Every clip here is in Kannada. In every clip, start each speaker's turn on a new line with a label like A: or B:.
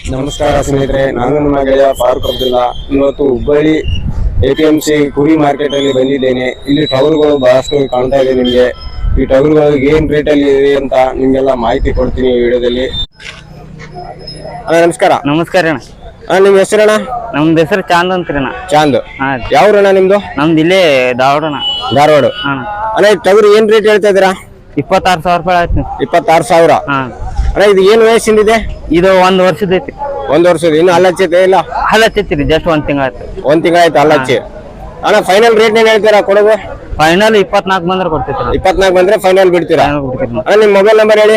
A: ನಮಸ್ಕಾರ ಸ್ನೇಹಿತರೆ, ನಾನು ನಿಮ್ಮ ಗೆಳೆಯ ಫಾರೂಕ್ ಅಬ್ದುಲ್ಲಾ. ಇವತ್ತು ಹುಬ್ಬಳ್ಳಿ APMC ಕುರಿ ಮಾರ್ಕೆಟ್ ಅಲ್ಲಿ ಬಂದಿದ್ದೇನೆ. ಇಲ್ಲಿ ಟಗರುಗಳು ಬಹಳಷ್ಟು ಕಾಣ್ತಾ ಇದೆ. ನಿಮ್ಗೆ ಈ ಟಗರುಗಳು ಏನ್ ರೇಟ್ ಅಲ್ಲಿ ಇದೆ ಅಂತ ನಿಮ್ಗೆಲ್ಲ ಮಾಹಿತಿ ಕೊಡ್ತೀನಿ ಈ ವಿಡಿಯೋದಲ್ಲಿ. ನಮಸ್ಕಾರ.
B: ನಮಸ್ಕಾರ ಅಣ್ಣ.
A: ನಿಮ್ ಹೆಸರಣ್ಣ?
B: ನಮ್ದು ಹೆಸರು ಚಾಂದ್ ಅಂತ್ರಿ ಅಣ್ಣ.
A: ಚಾಂದ್. ಯಾವ್ರಣ್ಣ ನಿಮ್ದು?
B: ನಮ್ದು ಇಲ್ಲೇ ಧಾರವಾಡ ಅಣ್ಣ.
A: ಧಾರವಾಡ. ಅಣ್ಣ ಟಗರು ಏನ್ ರೇಟ್ ಹೇಳ್ತಾ ಇದ್ದೀರಾ?
B: 26,000 ರೂಪಾಯಿ ಆಯ್ತು.
A: 26,000. ಅಣ್ಣ ಇದು ಏನ್ ವಯಸ್ಸಿಂದಿದೆ?
B: ಇದು 1 ವರ್ಷದ ಐತಿ.
A: 1 ವರ್ಷದ. ಇನ್ನು ಹಲ್ಲಚ್ಚೈತೆ ಇಲ್ಲ?
B: ಹಲ್ಲಚ್ಚೈತಿ, ಜಸ್ಟ್ 1 ತಿಂಗಳ ಆಯ್ತು.
A: 1 ತಿಂಗಳ ಆಯ್ತು ಹಲ್ಲಚ್ಚಿ. ಅಣ್ಣ ಫೈನಲ್ ರೇಟ್ ಏನ್ ಹೇಳ್ತೀರಾ ಕೊಡೋದು?
B: ಫೈನಲ್ 24 ಬಂದ್ರೆ ಕೊಡ್ತೈತಿ.
A: 24 ಬಂದ್ರೆ ಫೈನಲ್ ಬಿಡ್ತೀರಾ? ಅಣ್ಣ ನಿಮ್ ಮೊಬೈಲ್ ನಂಬರ್ ಹೇಳಿ.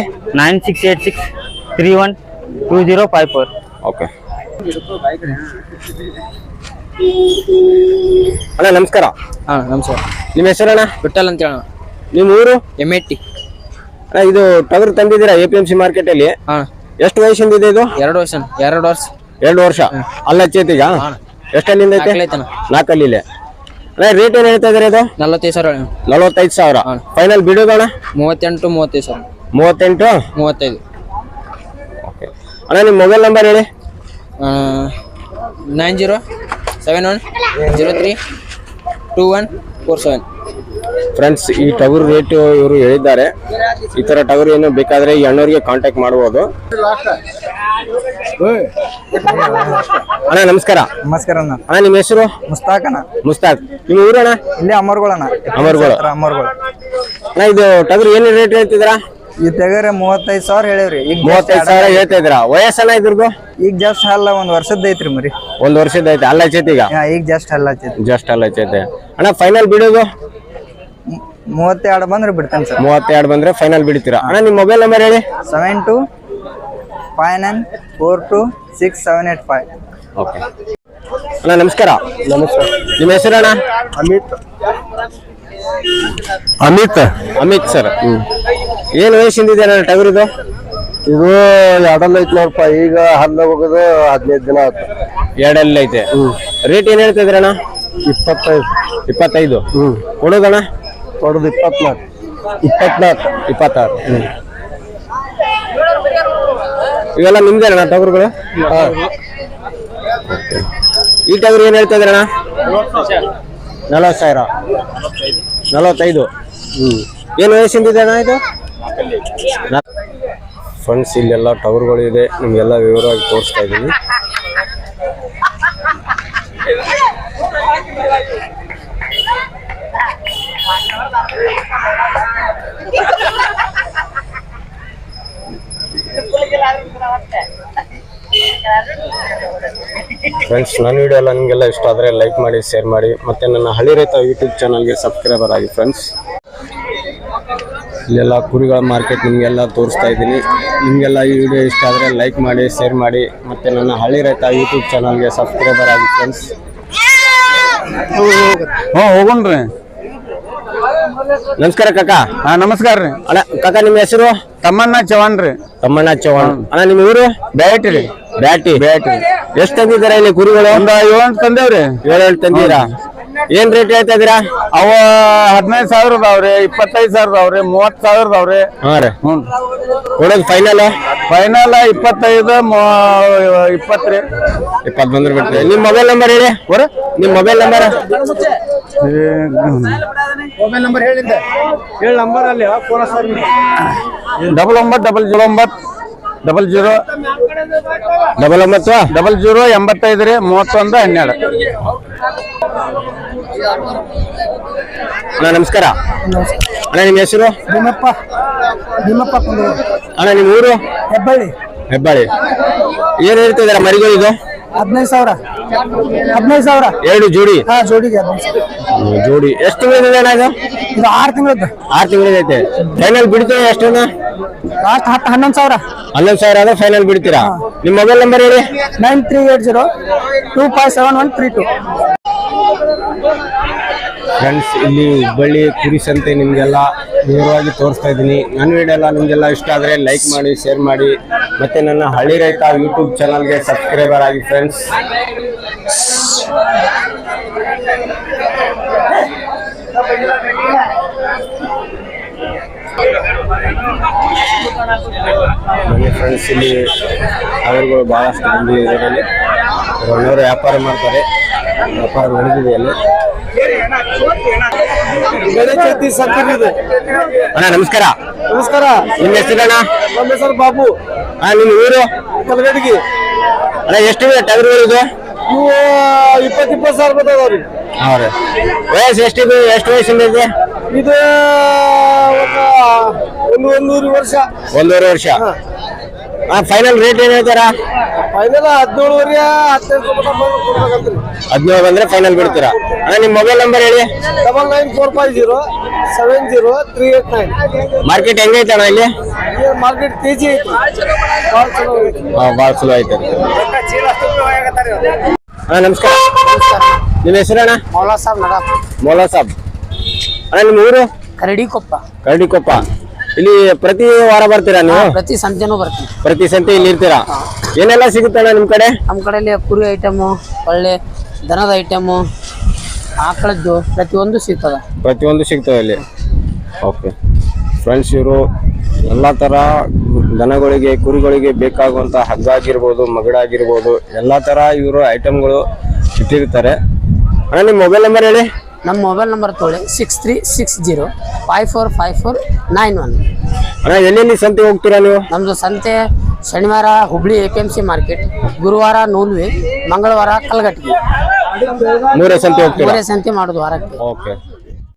A: 9686312054. ಓಕೆ ಅಣ್ಣ ನಮಸ್ಕಾರ.
C: ನಮಸ್ಕಾರ.
A: ನಿಮ್ಮ ಹೆಸರಣ್ಣ?
C: ವಿಠಲ್ ಅಂತ ಹೇಳ.
A: ನಿಮ್ಮ ಊರು?
C: ಎಮ್ಮೆಟ್ಟಿ.
A: ಅಣ್ಣ ಇದು ಟಗರು ತಂದಿದ್ದೀರಾ APMC ಮಾರ್ಕೆಟ್ ಅಲ್ಲಿ? ಎಷ್ಟು ವಯಸ್ಸಿಂದ ಇದೆ ಇದು?
C: 2 ವರ್ಷ.
A: 2 ವರ್ಷ. ಅಲ್ಲ ಚೇತಿಗ ಎಷ್ಟಲ್ಲಿಂದ ಐತೆ? 4 ಅಲ್ಲಿದೆ. ಅಣ್ಣ ರೇಟ್ ಏನ್ ಹೇಳ್ತಾ ಇದಾರೆ ಇದು?
C: 45,000.
A: 45,000. ಫೈನಲ್ ಬಿಡೋದಣ್ಣ?
C: 38, 35,000.
A: 38,
C: 35.
A: ಓಕೆ ಅಣ್ಣ ನಿಮ್ಮ ಮೊಬೈಲ್ ನಂಬರ್ ಹೇಳಿ.
C: 9071032147.
A: ಫ್ರೆಂಡ್ಸ್, ಈ ಟಗರು ರೇಟ್ ಇವರು ಹೇಳಿದ್ದಾರೆ. ಈ ತರ ಟಗರು ಏನು ಬೇಕಾದ್ರೆ ಈ ಅಣ್ಣವ್ರಿಗೆ ಕಾಂಟ್ಯಾಕ್ಟ್ ಮಾಡಬಹುದು. ಅಣ್ಣ ನಮಸ್ಕಾರ.
C: ನಮಸ್ಕಾರ ಅಣ್ಣ.
A: ಅಣ್ಣ ನಿಮ್ಮ ಹೆಸರು?
C: ಮುಸ್ತಾಕ್ ಅಣ್ಣ.
A: ಮುಸ್ತಾಕ್. ನಿಮ್ಮ ಊರಣ್ಣ?
C: ಇಲ್ಲಿ ಅಮರ್ಗೋಳಣ್ಣ.
A: ಅಮರ್ಗೋಳ. ಅಣ್ಣ ಇದು ಟಗರು ಏನು ರೇಟ್ ಹೇಳ್ತಿದ್ರಾ?
C: ಈ ತೆಗರೆ 35,000 ಹೇಳಿವ್ರಿ. ಈಗ
A: 35,000 ಹೇಳ್ತಾ ಇದ್ರಾ? ವಯಸ್ಸನ್ನ ಇದ್ರದ್ದು?
C: ಈಗ ಜಸ್ಟ್ ಅಲ್ಲ 1 ವರ್ಷದ ಐತ್ರಿ ಮರಿ.
A: 1 ವರ್ಷದ ಐತೆ. ಅಲ್ಲ ಚೈತಿ ಈಗ?
C: ಈಗ ಜಸ್ಟ್ ಅಲ್ಲ ಚೈತಿ.
A: ಜಸ್ಟ್ ಅಲ್ಲ ಚೈತೆ. ಅಣ್ಣ ಫೈನಲ್ ಬಿಡೋದು?
C: 32 ಬಂದ್ರೆ ಬಿಡ್ತೇನೆ ಸರ್.
A: 32 ಬಂದ್ರೆ ಫೈನಲ್ ಬಿಡ್ತೀರಾ? ಅಣ್ಣ ನಿಮ್ಮ ಮೊಬೈಲ್ ನಂಬರ್ ಹೇಳಿ.
C: 7259426785.
A: ಓಕೆ ಅಣ್ಣ ನಮಸ್ಕಾರ. ನಮಸ್ಕಾರ. ನಿಮ್ಮ ಹೆಸರಣ್ಣ? ಅಮಿತ್ ಸರ್. ಏನ್ ವಯಸ್ಸಿಂದಿದೆ ಅಣ್ಣ ಟಗರು ಇದು?
D: ಇದು 2 ಐತಿ ನೋಡಪ್ಪ. ಈಗ ಹಲ್ಲ ಹೋಗೋದು 15 ದಿನ ಆಯ್ತು.
A: 2 ಐತೆ. ರೇಟ್ ಏನ್ ಹೇಳ್ತಾ ಇದ್ರಣ್ಣ?
D: 25.
A: ಕೊಡೋದಣ್ಣ?
D: ಕೊಡೋದು 24.
A: 26. ಇವೆಲ್ಲ ನಿಮ್ದೇನಣ್ಣ ಟಗರುಗಳು? ಈ ಟಗರು ಏನ್ ಹೇಳ್ತಾ ಇದ್ರಣ್ಣ? 40,000. 45. ಏನು ವಯಸ್ಸಿಂದಿದೆ ಅಣ್ಣ ಇದು? ಫ್ರೆಂಡ್ಸ್, ಇಲ್ಲೆಲ್ಲ ಟವರ್ಗಳು ಇದೆ. ನಿಮ್ಗೆಲ್ಲ ವಿವರವಾಗಿ ತೋರಿಸ್ತಾ ಇದ್ದೀನಿ. ಫ್ರೆಂಡ್ಸ್, ನನ್ನ ವಿಡಿಯೋ ಎಲ್ಲ ನಿಮಗೆಲ್ಲ ಇಷ್ಟ ಆದರೆ ಲೈಕ್ ಮಾಡಿ, ಶೇರ್ ಮಾಡಿ, ಮತ್ತು ನನ್ನ ಹಳ್ಳಿ ರೈತ ಯೂಟ್ಯೂಬ್ ಚಾನಲ್ಗೆ ಸಬ್ಸ್ಕ್ರೈಬರ್ ಆಗಿ. ಫ್ರೆಂಡ್ಸ್, ಇಲ್ಲೆಲ್ಲ ಕುರಿಗಳ ಮಾರ್ಕೆಟ್ ನಿಮಗೆಲ್ಲ ತೋರಿಸ್ತಾ ಇದ್ದೀನಿ. ನಿಮಗೆಲ್ಲ ಈ ವಿಡಿಯೋ ಇಷ್ಟ ಆದರೆ ಲೈಕ್ ಮಾಡಿ, ಶೇರ್ ಮಾಡಿ, ಮತ್ತು ನನ್ನ ಹಳ್ಳಿ ರೈತ ಯೂಟ್ಯೂಬ್ ಚಾನಲ್ಗೆ ಸಬ್ಸ್ಕ್ರೈಬರ್ ಆಗಿ. ಫ್ರೆಂಡ್ಸ್,
D: ಹೋಗೋಣ್ರಿ.
A: ನಮಸ್ಕಾರ ಕಾಕ.
D: ನಮಸ್ಕಾರ ರೀ.
A: ಅಣ್ಣ ಕಾಕ ನಿಮ್ಮ ಹೆಸರು?
D: ತಮ್ಮಣ್ಣ ಚವಾಣ್ ರೀ.
A: ತಮ್ಮಣ್ಣ ಚವಾಣ್. ಅಣ್ಣ ನಿಮ್ಮ ಊರು?
D: ಬ್ಯಾಟಿ ರೀ.
A: ಬ್ಯಾಟಿ. ಎಷ್ಟು ತಂದಿದ್ದೀರಾ ಇಲ್ಲಿ ಕುರಿಗಳು?
D: ಒಂದು 7 ತಂದೇವ್ರಿ.
A: 7 ತಂದಿದ್ದೀರಾ? ಏನ್ ರೇಟ್ ಹೇಳ್ತಾ ಇದೀರಾ?
D: ಅವ 15,000 ಅದಾವ್ರಿ, 25,000 ಅದಾವ್ರಿ, 30,000 ಅದಾವ್ರಿ.
A: ಹಾ ರೀ. ಕೊಡೋದು ಫೈನಲ್?
D: 25, 20 ರೀ.
A: 20 ಬಂದ್ರೆ ಬಿಡ್ತೀವಿ. ನಿಮ್ಮ ಮೊಬೈಲ್ ನಂಬರ್ ಹೇಳಿ. ನಿಮ್ಮ ಮೊಬೈಲ್ ನಂಬರ್?
D: ಮೊಬೈಲ್ ನಂಬರ್ ಹೇಳಿದ್ದೆ. ಹೇಳಿ ನಂಬರ್ ಅಲ್ಲಿ 99000085 ರೀ. 3112.
A: ಅಣ್ಣ ನಮಸ್ಕಾರ. ಅಣ್ಣ ನಿಮ್ಮ ಹೆಸರು?
C: ಭೀಮಪ್ಪ.
A: ಅಣ್ಣ ನಿಮ್ಮ ಊರು? ಹೆಬ್ಬಾಳಿ. ಏನ್ ಹೇಳ್ತಿದಾರ ಮರಿಗಳು ಇದು?
C: 15,000.
A: 2 ಜೋಡಿ?
C: ಜೋಡಿಗೆ
A: ಜೋಡಿ. ಎಷ್ಟು ತಿಂಗಳಿದೆ ಅಣ್ಣ ಇದು?
C: 6 ತಿಂಗಳದ್ದು.
A: 6 ತಿಂಗಳಿದೈತೆ. ಫೈನಲ್ ಬಿಡ್ತೀವಿ ಎಷ್ಟನ್ನ?
C: ಲಾಸ್ಟ್ 11,000.
A: 11,000 ಆದ್ರೆ ಫೈನಲ್ ಬಿಡ್ತೀರಾ? ನಿಮ್ಮ ಮೊಬೈಲ್ ನಂಬರ್ ಹೇಳಿ.
C: 9380257132.
A: ಫ್ರೆಂಡ್ಸ್, ಇಲ್ಲಿ ಹುಬ್ಬಳ್ಳಿ ಕುರಿ ಸಂತೆ ನಿಮಗೆಲ್ಲ ವಿವರವಾಗಿ ತೋರಿಸ್ತಾ ಇದ್ದೀನಿ. ನನ್ನ ವಿಡಿಯೋ ಎಲ್ಲ ನಿಮಗೆಲ್ಲ ಇಷ್ಟ ಆದರೆ ಲೈಕ್ ಮಾಡಿ, ಶೇರ್ ಮಾಡಿ, ಮತ್ತು ನನ್ನ ಹಳ್ಳಿ ರೈತ ಯೂಟ್ಯೂಬ್ ಚಾನಲ್ಗೆ ಸಬ್ಸ್ಕ್ರೈಬರ್ ಆಗಿ. Friends, Thank you. ಬನ್ನಿ ಫ್ರೆಂಡ್ಸ್, ಇಲ್ಲಿ ಟಗರುಗಳು ಬಹಳಷ್ಟು ಬಂದು ಇದರಲ್ಲಿ ಒಳ್ಳೆಯವರು ವ್ಯಾಪಾರ ಮಾಡ್ತಾರೆ. ವ್ಯಾಪಾರ ನಡೆದಿದೆ ಅಲ್ಲಿ. ಅಣ್ಣ ನಮಸ್ಕಾರ.
D: ನಮಸ್ಕಾರ.
A: ನಿಮ್ಮ ಹೆಸರಣ್ಣ?
D: ನಮ್ಮ ಹೆಸರು ಬಾಬು.
A: ನಿಮ್ಮ ಊರು?
D: ಕಲಗಡಿಗೆ.
A: ಅಣ್ಣ ಎಷ್ಟಿದೆ ಟಗರುಗಳು ಇದು?
D: ಇವು 20 ಸಾವಿರ ಬರ್ತದವ್ರಿ.
A: ಹೌದು. ವಯಸ್ಸು ಎಷ್ಟಿದೆ? ಎಷ್ಟು ವಯಸ್ಸಿಂದ ಇದೆ
D: ಇದು ಒಂದೂವರೆ ವರ್ಷ.
A: 1.5 ವರ್ಷ. ಫೈನಲ್ ರೇಟ್ ಏನ್ ಹೇಳ್ತಾರ?
D: ಫೈನಲ್ 17 15
A: 17 ಬಂದ್ರೆ ಫೈನಲ್ ಬಿಡ್ತೀರಾ? ಅಣ್ಣ ನಿಮ್ಮ ಮೊಬೈಲ್ ನಂಬರ್ ಹೇಳಿ.
D: 9945070389.
A: ಮಾರ್ಕೆಟ್ ಹೆಂಗೈತೆ ಅಣ್ಣ ಇಲ್ಲಿ?
D: ಮಾರ್ಕೆಟ್ ಕೆಜಿ ಐತಿ.
A: ಭಾಳ ಚಲೋ ಐತೆ. ಅಣ್ಣ ನಮಸ್ಕಾರ. ನಿಮ್ಮ ಹೆಸರಣ್ಣ?
C: ಮೌಲಾ ಸಾಬ್ ನಡ
A: ಮೌಲಾ ಸಾಬ್. ಅಣ್ಣ ನಿಮ್ಮ ಊರು?
C: ಕರಡಿಕೊಪ್ಪ.
A: ಕರಡಿಕೊಪ್ಪ. ಇಲ್ಲಿ ಪ್ರತಿ ವಾರ ಬರ್ತೀರಾ ನೀವು?
C: ಪ್ರತಿ ಸಂತೆನೂ ಬರ್ತೀವಿ.
A: ಪ್ರತಿ ಸಂತೆ ಇಲ್ಲಿ ಇರ್ತೀರಾ? ಏನೆಲ್ಲ ಸಿಗುತ್ತಣ್ಣ ನಿಮ್ ಕಡೆ?
C: ನಮ್ಮ ಕಡೆಯಲ್ಲಿ ಕುರಿ ಐಟಮು, ಒಳ್ಳೆ ದನದ ಐಟಮು, ಆಕಳದ್ದು ಪ್ರತಿಯೊಂದು ಸಿಗ್ತದ.
A: ಪ್ರತಿಯೊಂದು ಸಿಗ್ತವೆ ಇಲ್ಲಿ. ಓಕೆ ಫ್ರೆಂಡ್ಸ್, ಇವರು ಎಲ್ಲ ಥರ ದನಗಳಿಗೆ ಕುರಿಗಳಿಗೆ ಬೇಕಾಗುವಂಥ ಹಗ್ಗ ಆಗಿರ್ಬೋದು, ಮಗಡಾಗಿರ್ಬೋದು, ಎಲ್ಲ ಥರ ಇವರು ಐಟಮ್ಗಳು ಇಟ್ಟಿರ್ತಾರೆ. ಅಣ್ಣ ನಿಮ್ಮ ಮೊಬೈಲ್ ನಂಬರ್ ಹೇಳಿ.
C: ನಮ್ಮ ಮೊಬೈಲ್ ನಂಬರ್ ತೊಗೊಳ್ಳಿ 6360545491.
A: ಅಣ್ಣ ಎಲ್ಲೆಲ್ಲಿ ಸಂತೆ ಹೋಗ್ತೀರಾ ನೀವು?
C: ನಮ್ಮದು ಸಂತೆ ಶನಿವಾರ ಹುಬ್ಳಿ APMC ಮಾರ್ಕೆಟ್, ಗುರುವಾರ ನೂಲ್ವಿ, ಮಂಗಳವಾರ ಕಲ್ಗಟ್ಟಿಗೆ.
A: 3 ಸಂತೆ ಹೋಗ್ತೀರಾ?
C: 3 ಸಂತೆ ಮಾಡೋದು ವಾರಕ್ಕೆ.
A: ಓಕೆ.